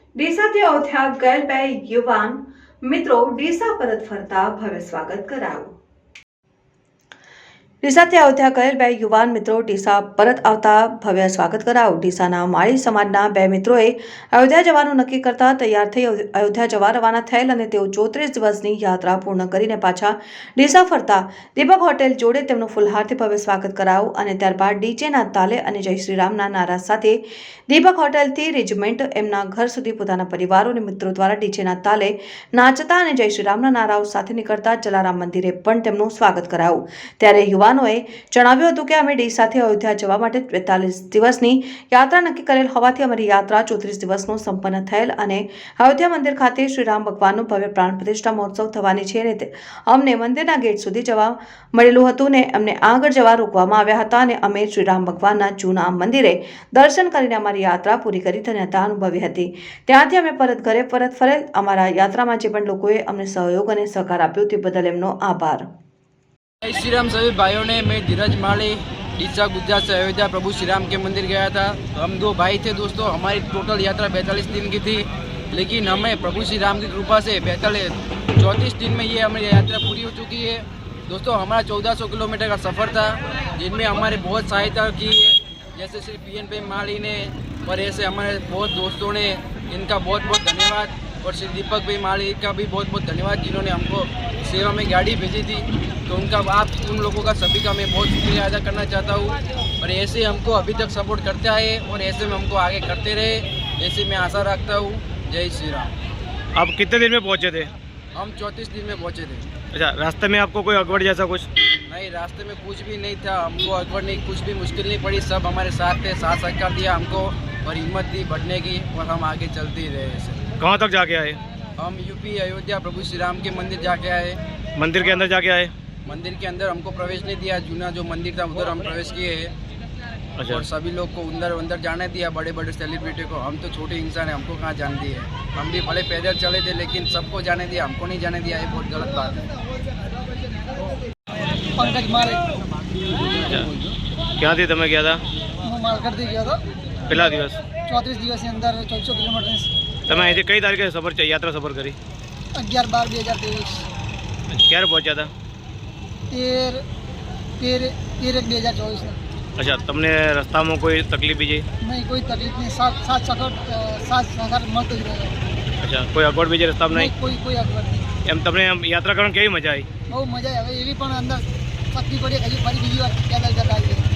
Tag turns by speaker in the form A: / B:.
A: ડીસાથી અયોધ્યા ગયેલ બે યુવાન મિત્રો ડીસા પરત ફરતા ભવ્ય સ્વાગત કરાયું। ડીસાથી અયોધ્યા ગયેલ બે યુવાન મિત્રો ડીસા પરત આવતા ભવ્ય સ્વાગત કરાયું। ડીસાના માળી સમાજના બે મિત્રોએ અયોધ્યા જવાનું નક્કી કરતા તૈયાર થઈ અયોધ્યા જવા રવાના થયેલ અને તેઓ 34 દિવસની યાત્રા પૂર્ણ કરીને પાછા ડીસા ફરતા દીપક હોટેલ જોડે તેમનું ફુલહારથી ભવ્ય સ્વાગત કરાયું અને ત્યારબાદ ડીજેના તાલે અને જય શ્રી રામના નારા સાથે દીપક હોટેલથી રેજિમેન્ટ એમના ઘર સુધી પોતાના પરિવારો અને મિત્રો દ્વારા ડીજેના તાલે નાચતા અને જય શ્રી રામના નારાઓ સાથે નીકળતા જલારામ મંદિરે પણ તેમનું સ્વાગત કરાયું। ત્યારે યુવાનોએ જણાવ્યું હતું કે અમે ડીસાથી અયોધ્યા જવા માટે 42 દિવસની યાત્રા નક્કી કરેલ હોવાથી અમારી યાત્રા 34 દિવસનો સંપન્ન થયેલ અને અયોધ્યા મંદિર ખાતે શ્રી રામ ભગવાનનું ભવ્ય પ્રાણ પ્રતિષ્ઠા મહોત્સવ થવાની છે અને અમને મંદિરના ગેટ સુધી જવા મળેલું હતું ને અમને આગળ જવા રોકવામાં આવ્યા હતા અને અમે શ્રી રામ ભગવાનના જૂના મંદિરે દર્શન કરીને અમારી યાત્રા પૂરી કરી ધન્યતા અનુભવી હતી। ત્યાંથી અમે ઘરે પરત ફરેલ। અમારા યાત્રામાં જે પણ લોકોએ અમને સહયોગ અને સહકાર આપ્યો તે બદલ એમનો આભાર।
B: जय श्री राम सभी भाइयों ने। मैं धीरज माली डीसा गुजरात से अयोध्या प्रभु श्री राम के मंदिर गया था। हम दो भाई थे दोस्तों। हमारी टोटल यात्रा 42 दिन की थी, लेकिन हमें प्रभु श्री राम की कृपा से 34 दिन में ये हमारी यात्रा पूरी हो चुकी है दोस्तों। हमारा 1400 किलोमीटर का सफ़र था, जिनमें हमारे बहुत सहायता की है, जैसे श्री PN भाई माली ने और ऐसे हमारे बहुत दोस्तों ने, इनका बहुत बहुत धन्यवाद। और श्री दीपक भाई माली का भी बहुत बहुत धन्यवाद, जिन्होंने हमको सेवा में गाड़ी भेजी थी। तो उनका आप उन लोगों का सभी का मैं बहुत शुक्रिया अदा करना चाहता हूँ। और ऐसे हमको अभी तक सपोर्ट करते आए और ऐसे में हमको आगे करते रहे, ऐसे मैं आशा रखता हूँ। जय श्री राम।
C: आप कितने दिन में पहुँचे थे?
B: हम 34 दिन में पहुँचे थे।
C: अच्छा, रास्ते में आपको कोई अगवड़ जैसा कुछ?
B: नहीं, रास्ते में कुछ भी नहीं था, हमको अगवड़ नहीं, कुछ भी मुश्किल नहीं पड़ी। सब हमारे साथ थे, साथ सहकार दिया हमको और हिम्मत दी बढ़ने की, और हम आगे चलते ही रहे। ऐसे
C: कहाँ तक जाके आए?
B: हम यूपी अयोध्या प्रभु श्री राम के मंदिर जाके आए।
C: मंदिर के अंदर जाके आए?
B: मंदिर के अंदर हमको प्रवेश नहीं दिया, जूना जो मंदिर था उधर हम प्रवेश किए हैं।
C: अच्छा।
B: और सभी लोग को अंदर जाने दिया, बड़े बड़े सेलिब्रिटी को। हम तो छोटे इंसान हैं, हमको कहाँ जाने दिए। हम भी भले पैदल चले थे, लेकिन सबको जाने दिया, हमको नहीं जाने दिया। ये बहुत गलत बात है।
D: पंकज मारे
C: क्या थी तमें गया था?
D: હું માલગઢથી ગયો હતો
C: पहला दिवस
D: 34 દિવસની અંદર 1400 કિલોમીટર
C: તમે અહીંથી કઈ તારીખે યાત્રા સફર કરી?
D: 11/12/2023
C: ક્યારે પહોંચ્યા હતા?
D: 13/1/2024
C: अच्छा, તમને રસ્તામાં કોઈ તકલીફ બીજી?
D: નહીં, કોઈ તકલીફ નહીં। સાથ સહકાર મળતો જ રહ્યો।
C: अच्छा, કોઈ અગવડ બીજી રસ્તામાં નહીં?
D: કોઈ અગવડ નહીં।
C: એમ તમને યાત્રા કરવાની કેવી મજા આવી?
D: બહુ મજા આવી। હવે એવી પણ અંદર શક્તિ પડી, હજી ફરી બીજી વાર પેદલ જતા આવીએ।